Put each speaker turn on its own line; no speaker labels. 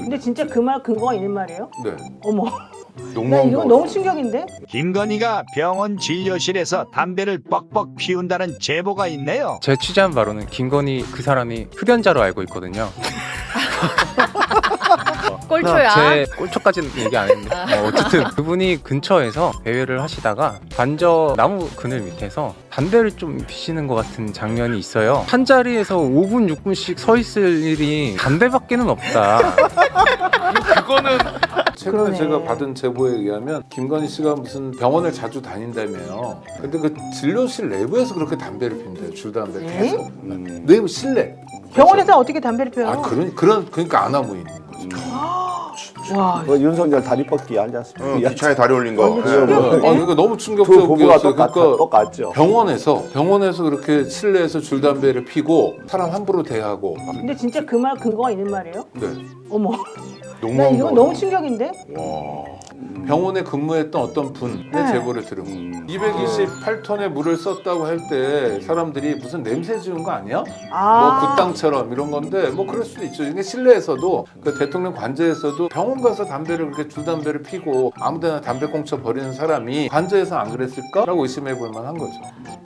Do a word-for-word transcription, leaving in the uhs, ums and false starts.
근데 진짜 그 말 근거가 있는 말이에요?
네.
어머. 나
농무한
이거
거.
너무 충격인데?
김건희가 병원 진료실에서 담배를 뻑뻑 피운다는 제보가 있네요.
제 취재한 바로는 김건희 그 사람이 흡연자로 알고 있거든요.
꼴초야.
제 꼴초까지는 얘기 안 했는데 어, 어쨌든 그분이 근처에서 배회를 하시다가 반저 나무 그늘 밑에서 담배를 좀 피시는 것 같은 장면이 있어요. 한 자리에서 오 분, 육 분씩 서 있을 일이 담배밖에는 없다.
그거는 최근에
그러네.
제가 받은 제보에 의하면 김건희 씨가 무슨 병원을 자주 다닌다며요. 근데 그 진료실 내부에서 그렇게 담배를 핀대요. 줄담배를
네?
계속. 내부 실내.
병원에서 어떻게 담배를 피워요?
아 그런 그런 그러니까 안 하고 있는 거죠.
와,
그 윤석열 다리 뻗기 알지 않습니까?
응, 기차에 다리 올린 거.
어,
네.
충격이네.
아 그러니까 너무
두 부부가
충격적이었어요.
똑같,
그러니까
똑같죠.
병원에서 병원에서 그렇게 실내에서 줄담배를 피고 사람 함부로 대하고.
근데 진짜 그 말 근거가 있는 말이에요?
네.
어머. 나
농무한
이거
거.
너무 충격인데?
와.
병원에 근무했던 어떤 분의
네.
제보를 들은 거예요.
음.
이백이십팔 톤의 물을 썼다고 할 때 사람들이 무슨 냄새 지운 거 아니야?
아.
뭐 굿당처럼 이런 건데 뭐 그럴 수도 있죠. 이게 실내에서도 그 대통령 관저에서도 병원 가서 담배를 그렇게 줄담배를 피고 아무데나 담배 꽁쳐 버리는 사람이 관저에서 안 그랬을까라고 의심해 볼 만한 거죠.